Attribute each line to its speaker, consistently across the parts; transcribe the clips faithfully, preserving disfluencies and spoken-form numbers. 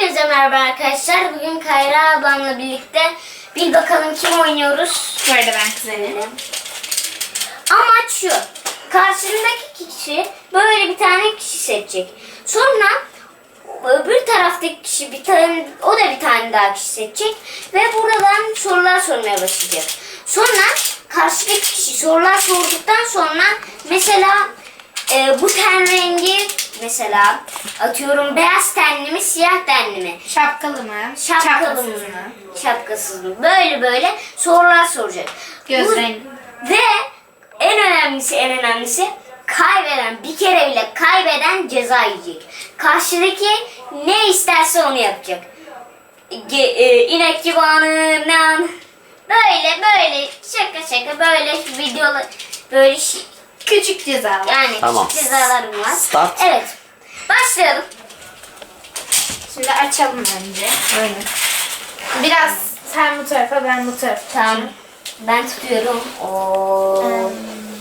Speaker 1: Hepinize merhaba arkadaşlar. Bugün Kayra ablamla birlikte bir bakalım kim oynuyoruz.
Speaker 2: Bu arada ben kuzenim.
Speaker 1: Amaç şu. Karşısındaki kişi böyle bir tane kişi seçecek. Sonra öbür taraftaki kişi bir tane, o da bir tane daha kişi seçecek. Ve buradan sorular sormaya başlayacak. Sonra karşıdaki kişi sorular sorduktan sonra mesela e, bu ten rengi mesela atıyorum beyaz tenli mi siyah tenli mi?
Speaker 2: Şapkalı mı?
Speaker 1: Şapkalı mı? Şapkasız mı? Böyle böyle sorular soracak.
Speaker 2: Göz
Speaker 1: Bu-
Speaker 2: rengi.
Speaker 1: Ve en önemlisi en önemlisi kaybeden bir kere bile kaybeden ceza yiyecek. Karşıdaki ne isterse onu yapacak. Ge, e, inek civanı, nan. Böyle böyle şaka şaka böyle videolar böyle şey,
Speaker 2: Küçük ceza.
Speaker 1: yani
Speaker 3: Tamam.
Speaker 1: küçük cezalarım var.
Speaker 3: Start.
Speaker 1: Evet. Başlayalım.
Speaker 2: Şimdi açalım önce. Böyle. Biraz sen bu tarafa, ben bu tarafa.
Speaker 1: Tamam. Ben tutuyorum. Oo.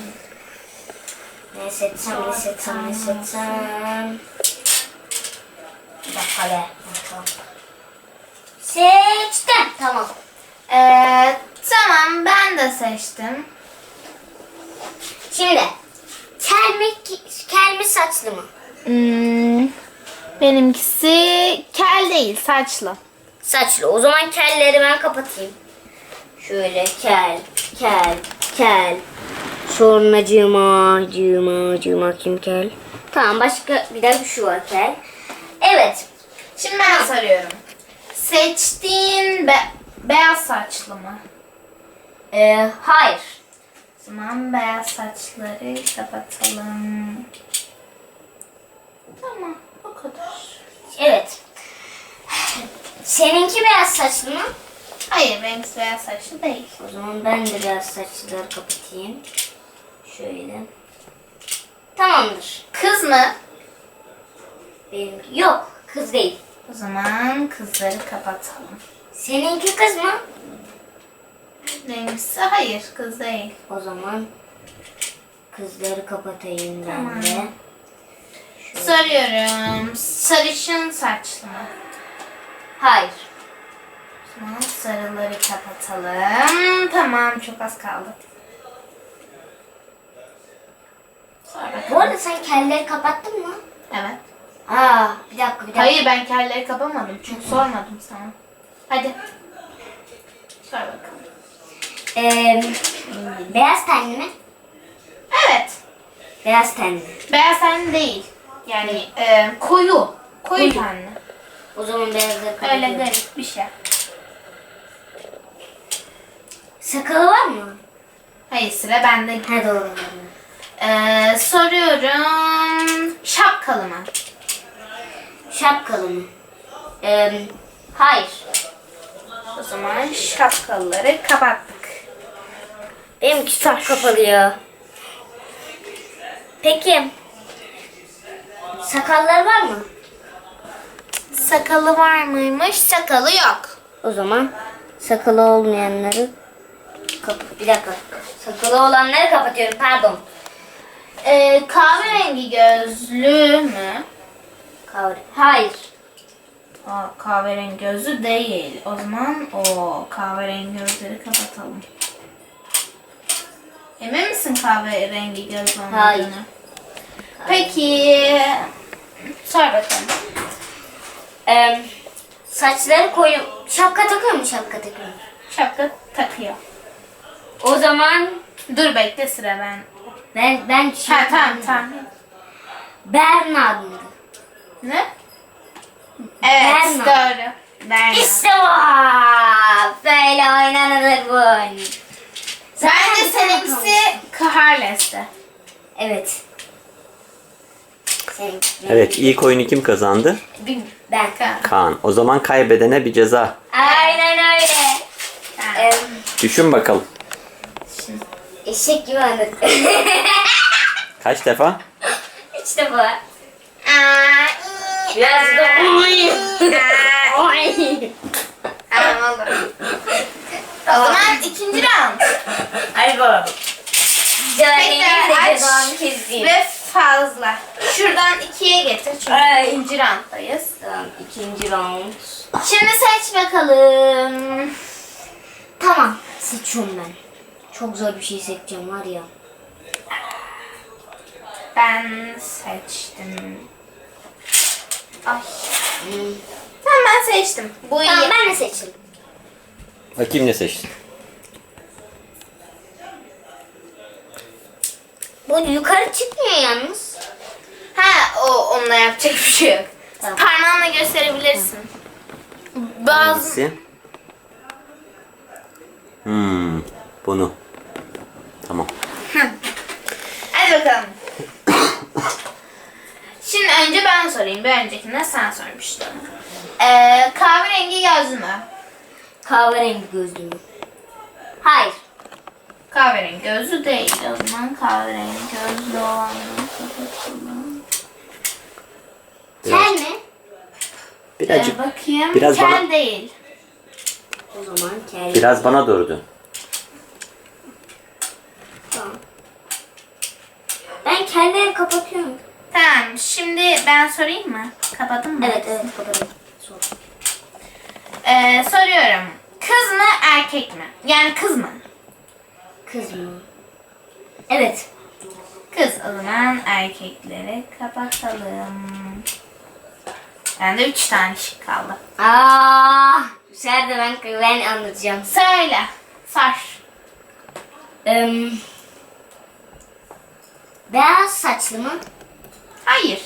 Speaker 1: Ne seçsem, ne seçsem, ne seçsem. Bir dakika be. Bakalım. Seçtim. Tamam.
Speaker 2: Ee, tamam, ben de seçtim.
Speaker 1: Şimdi. Kel mi, kel mi saçlı mı?
Speaker 2: Hmm, benimkisi kel değil, saçlı.
Speaker 1: Saçlı. O zaman kelleri ben kapatayım. Şöyle kel, kel, kel. Sonra cıma, cıma, cıma kim kel? Tamam başka bir de şu var kel. Evet.
Speaker 2: Şimdi ben soruyorum. Seçtiğin be- beyaz saçlı mı?
Speaker 1: Ee, hayır.
Speaker 2: O zaman beyaz saçları kapatalım. Tamam, o kadar.
Speaker 1: Evet. Seninki beyaz saçlı mı?
Speaker 2: Hayır, benimkisi beyaz saçlı değil.
Speaker 1: O zaman ben de beyaz saçlıları kapatayım. Şöyle. Tamamdır.
Speaker 2: Kız mı?
Speaker 1: Benimki yok. Kız değil.
Speaker 2: O zaman kızları kapatalım.
Speaker 1: Seninki kız mı?
Speaker 2: Benimkisi hayır, kız değil.
Speaker 1: O zaman kızları kapatayım ben
Speaker 2: Tamam.
Speaker 1: de.
Speaker 2: Soruyorum. Sarışın saçlı mı?
Speaker 1: Hayır.
Speaker 2: O zaman sarıları kapatalım. Tamam, çok az kaldı. Sor bakalım.
Speaker 1: Bu arada sen kelleri kapattın mı?
Speaker 2: Evet.
Speaker 1: Aa, bir dakika bir dakika.
Speaker 2: Hayır, ben kelleri kapamadım. Çünkü sormadım sana. Hadi. Sor bakalım.
Speaker 1: Ee, beyaz tenli mi?
Speaker 2: Evet.
Speaker 1: Beyaz tenli.
Speaker 2: Beyaz tenli değil. Yani e, koyu. Koyu
Speaker 1: Koyu.
Speaker 2: tenli.
Speaker 1: O zaman beyazları
Speaker 2: Öyle
Speaker 1: kapatıyorum.
Speaker 2: garip bir şey.
Speaker 1: Sakalı var mı?
Speaker 2: Hayır, sıra bende.
Speaker 1: Ha doğru.
Speaker 2: Ee, soruyorum. Şapkalı mı?
Speaker 1: Şapkalı mı? Ee, hayır.
Speaker 2: O zaman şapkalıları kapattık.
Speaker 1: Benimki çok kapalı ya. Peki. Sakallar var mı?
Speaker 2: Sakalı var mıymış? Sakalı yok.
Speaker 1: O zaman sakalı olmayanları kap bir dakika. Sakalı olanları kapatıyorum. Pardon.
Speaker 2: Ee, kahverengi gözlü mü?
Speaker 1: Kavre. Hayır.
Speaker 2: Aa, kahverengi gözlü değil. O zaman o kahverengi gözleri kapatalım. Emin misin kahverengi gözlü olmadığını?
Speaker 1: Hayır.
Speaker 2: Peki. Sor bakalım.
Speaker 1: Ee, saçları koyu. Şapka takıyor mu? Şapka takıyor mu?
Speaker 2: Şapka takıyor.
Speaker 1: O zaman
Speaker 2: Dur bekle, sıra ben.
Speaker 1: ben ben
Speaker 2: Ha, tamam tamam.
Speaker 1: Bernard mıydı?
Speaker 2: Ne? Evet,
Speaker 1: Berna.
Speaker 2: doğru. Berna.
Speaker 1: İşte bu. Böyle oynanılır bu oyun.
Speaker 2: Bence seninkisi Carles'ti.
Speaker 1: Evet. Senin.
Speaker 3: Evet, ilk oyunu kim kazandı?
Speaker 1: Bir- Ben.
Speaker 3: Kaan. O zaman kaybedene bir ceza.
Speaker 1: Aynen öyle. Ee,
Speaker 3: Düşün bakalım.
Speaker 1: eşek gibi anladık.
Speaker 3: Kaç defa?
Speaker 1: İşte bu. Biraz da oy. Oy.
Speaker 2: Tamam, olur. O zaman ikinci round.
Speaker 1: Hadi bakalım. Cezayı
Speaker 2: Tekrar
Speaker 1: de
Speaker 2: aç
Speaker 1: cezanı keseyim.
Speaker 2: ve fazla. Şuradan ikiye getir çünkü
Speaker 1: Ay.
Speaker 2: ikinci rounddayız.
Speaker 1: Tamam, ikinci round.
Speaker 2: Şimdi seç bakalım.
Speaker 1: Tamam, seçiyorum ben. Çok zor bir şey seçeceğim var ya.
Speaker 2: Ben seçtim. Ay.
Speaker 1: Hmm.
Speaker 2: Tamam ben seçtim. Bu iyi.
Speaker 1: Tamam, ben de seçtim.
Speaker 3: Bakayım ne seçtin?
Speaker 1: Bu yukarı çıkmıyor yalnız.
Speaker 2: Ha o onunla yapacak bir şey yok.
Speaker 1: Tamam.
Speaker 2: Parmağınla gösterebilirsin. Bazı
Speaker 3: Hangisi? Hmm, bunu. Tamam.
Speaker 2: Hadi bakalım. Şimdi önce ben sorayım. Bir öncekinde sen sormuştun. Ee, kahverengi gözlü mü?
Speaker 1: Kahverengi gözlü mü? Hayır.
Speaker 2: Kahverengi gözlü değil. O zaman kahverengi gözlü olanları kapatalım.
Speaker 3: Biraz,
Speaker 1: Kel mi?
Speaker 2: Ee,
Speaker 3: birazcık,
Speaker 2: bakayım.
Speaker 3: biraz
Speaker 2: Kel
Speaker 3: bana-
Speaker 2: değil.
Speaker 1: O zaman kel.
Speaker 3: biraz bana doğru dön.
Speaker 1: Tamam. Ben kelleri kapatıyorum.
Speaker 2: Tamam. Şimdi ben sorayım mı? Kapadın mı?
Speaker 1: Evet evet kapatıyorum. Sor.
Speaker 2: Ee, soruyorum. Kız mı erkek mi? Yani kız mı?
Speaker 1: Kız mı? Evet.
Speaker 2: Kız. O zaman erkekleri kapatalım. Bende üç tane şık kaldı.
Speaker 1: Aa, bu sefer de ben, ben anlatacağım.
Speaker 2: Söyle. Sor.
Speaker 1: Ee, beyaz saçlı mı?
Speaker 2: Hayır.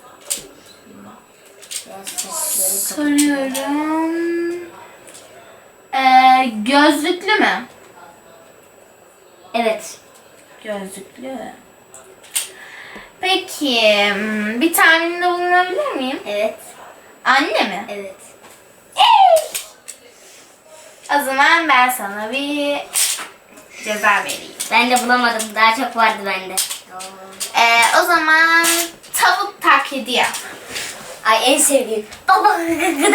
Speaker 1: Beyaz saçları
Speaker 2: Soruyorum. Ee, gözlüklü mü?
Speaker 1: Evet.
Speaker 2: Gözlüklü. Peki hmm, bir tahminde bulunabilir miyim?
Speaker 1: Evet.
Speaker 2: Anne mi?
Speaker 1: Evet.
Speaker 2: O zaman ben sana bir ceza vereyim.
Speaker 1: Ben de bulamadım. Daha çok vardı bende.
Speaker 2: Ee, o zaman tavuk taklidi yap.
Speaker 1: Ay en sevdiğim. Baba gıda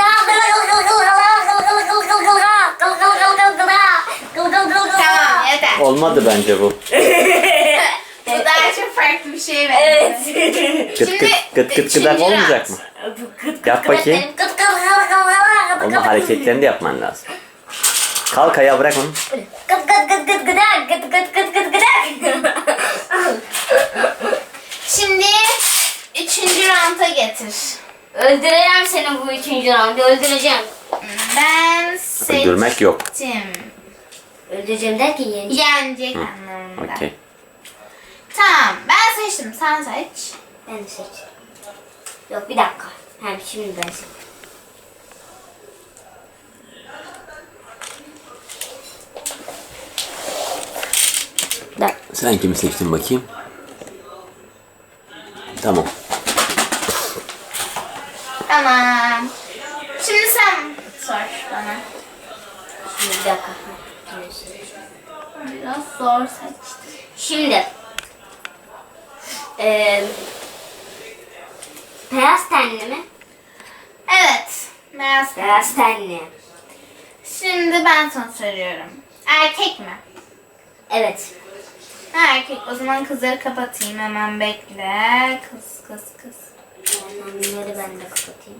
Speaker 2: Tamam yeter.
Speaker 3: Olmadı bence bu.
Speaker 2: Bu daha çok farklı bir şey
Speaker 1: Evet.
Speaker 2: verdi.
Speaker 3: Gıt
Speaker 2: Şimdi
Speaker 3: gıt gıt gıt
Speaker 2: üçüncü
Speaker 3: gıdak olmayacak
Speaker 2: round.
Speaker 3: mı? Yap bakayım. Onun hareketlerini de yapman lazım. Kalk ayağa, bırak onu.
Speaker 1: Gıt gıt gıt gıt gıdak gıt gıt gıt gıt gıdak.
Speaker 2: Şimdi üçüncü rounda getir.
Speaker 1: Öldüreceğim seni bu üçüncü roundu. Öldüreceğim.
Speaker 2: Ben seçtim.
Speaker 3: Öldürmek yok.
Speaker 1: Öldüreceğim derken yeneceğim.
Speaker 2: Yenecek anlamında.
Speaker 3: Okey.
Speaker 2: Tamam ben seçtim sen seç.
Speaker 1: Ben de seç. Yok bir dakika. Hem şimdi ben seç. Da.
Speaker 3: Sen kimi seçtin bakayım? Tamam.
Speaker 2: Tamam. Şimdi sen sor bana.
Speaker 1: Şimdi bir dakika.
Speaker 2: Biraz zor seçtim.
Speaker 1: Şimdi. Eee beyaz tenli mi?
Speaker 2: Evet. Beyaz.
Speaker 1: Beyaz tenli.
Speaker 2: Şimdi ben sana soruyorum. Erkek mi?
Speaker 1: Evet.
Speaker 2: Ha, erkek. O zaman kızları kapatayım. Hemen bekle. Kız kız kız.
Speaker 1: Bunları ben de kapatayım.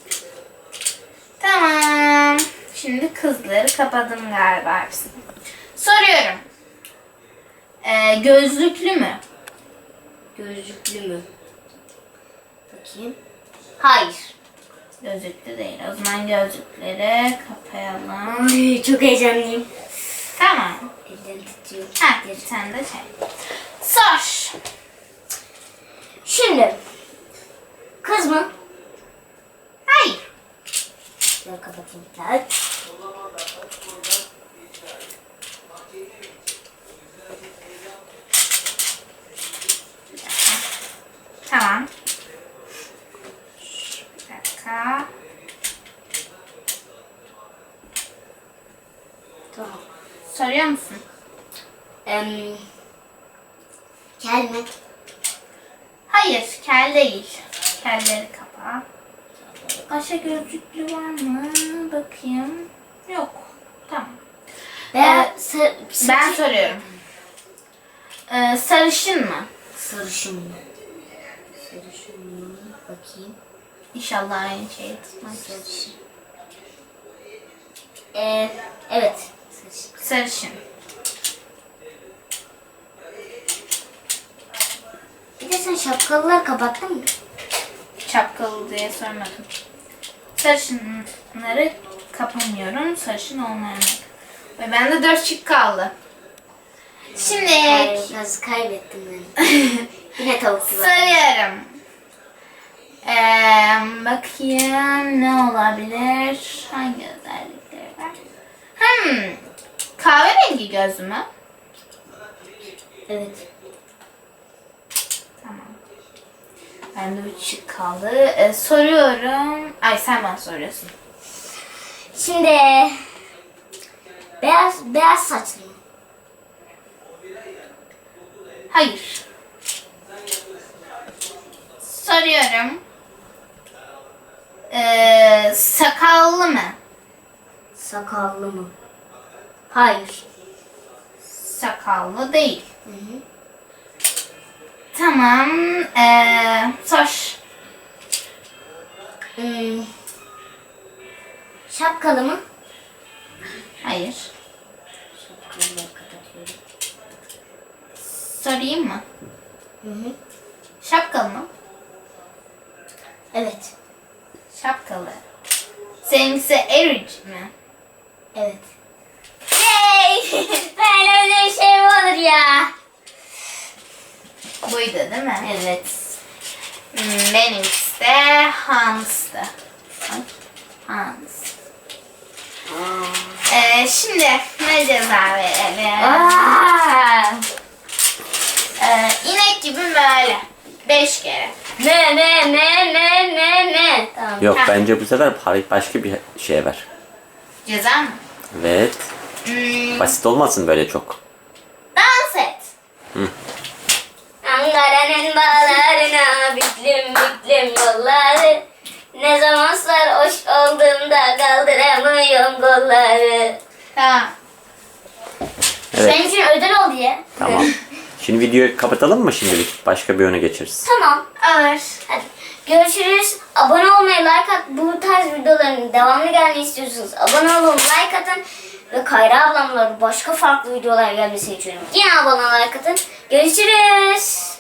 Speaker 2: Tamam. Şimdi kızları kapadım galiba hepsini. Soruyorum. Ee, gözlüklü mü?
Speaker 1: Gözlüklü mü? Bakayım. Hayır.
Speaker 2: Gözlüklü değil. O zaman gözlükleri kapayalım.
Speaker 1: Ay, çok heyecanlıyım.
Speaker 2: Tamam.
Speaker 1: Ellerim titriyor.
Speaker 2: Ha, sen de şey. Sor.
Speaker 1: Şimdi. Kız mı?
Speaker 2: Hayır.
Speaker 1: Ben kapatayım. Evet.
Speaker 2: Tamam. Bir dakika.
Speaker 1: Tamam.
Speaker 2: Soruyor musun?
Speaker 1: Em, kel mi?
Speaker 2: Hayır, kel değil. Kelleri kapa. Başka gözlüklü var mı? Bakayım. Yok. Tamam.
Speaker 1: Veya
Speaker 2: Ee,
Speaker 1: sar-
Speaker 2: Ben soruyorum. Ee, sarışın mı?
Speaker 1: sarışın mı? Sarışın bakayım.
Speaker 2: İnşallah aynı şeyi tutmaz.
Speaker 1: Sarışın. Ee, evet. Sarışın.
Speaker 2: Sarışın.
Speaker 1: Bir de sen şapkalıları kapattın mı?
Speaker 2: Şapkalı diye sormadım. Sarışınları kapamıyorum. Sarışın olmayanlar. Ve bende dört şık kaldı. Şimdi
Speaker 1: Ay, nasıl kaybettim ben. Yine tavuk var.
Speaker 2: sarıyorum. Ee, bakayım ne olabilir? Hangi özellikleri var? Hmm. Kahverengi göz mü?
Speaker 1: Evet.
Speaker 2: Tamam. Bende üç şık kaldı. Ee, soruyorum. Ay sen bana soruyorsun.
Speaker 1: Şimdi beyaz beyaz saçlı mı?
Speaker 2: Hayır. Soruyorum. Ee, sakallı mı?
Speaker 1: Sakallı mı? Hayır.
Speaker 2: Sakallı değil.
Speaker 1: Hı hı.
Speaker 2: Tamam. Ee, sor.
Speaker 1: Hmm. Şapkalı mı?
Speaker 2: Hayır.
Speaker 1: Şapkalıları kapatıyorum.
Speaker 2: Sorayım mı?
Speaker 1: Hı hı.
Speaker 2: Şapkalı mı?
Speaker 1: Evet.
Speaker 2: Şapkalı. Seninkisi Eric mi?
Speaker 1: Evet. Yay! Böyle öyle bir şey mi olur ya?
Speaker 2: Buydu değil mi?
Speaker 1: Evet.
Speaker 2: Hmm, benimkisi de Hans'tı. Hans. Ee, şimdi ne ceza verelim?
Speaker 1: Aa!
Speaker 2: Ee, inek gibi böyle. Beş kere.
Speaker 1: Ne ne ne ne ne ne? Tamam.
Speaker 3: Yok
Speaker 2: Ha.
Speaker 3: bence bu sefer para- başka bir şey ver.
Speaker 2: Ceza mı?
Speaker 3: Evet.
Speaker 2: Hmm,
Speaker 3: Basit olmasın böyle çok.
Speaker 2: dans et.
Speaker 1: Ankara'nın bağlarına büklüm büklüm yolları. Ne zaman sarhoş olduğumda kaldıramıyorum kolları.
Speaker 2: Tamam.
Speaker 3: Evet.
Speaker 1: Senin için ödül oldu ya.
Speaker 3: Tamam. Şimdi videoyu kapatalım mı şimdilik? Başka bir öne geçeriz.
Speaker 1: Tamam.
Speaker 2: Alır.
Speaker 1: Hadi. Görüşürüz. Abone olmayı, like at. Bu tarz videoların devamlı gelmeyi istiyorsanız abone olun, like atın. Ve Kayra ablamla başka farklı videolar gelmesini istiyorum. Yine abone olun, like atın. Görüşürüz.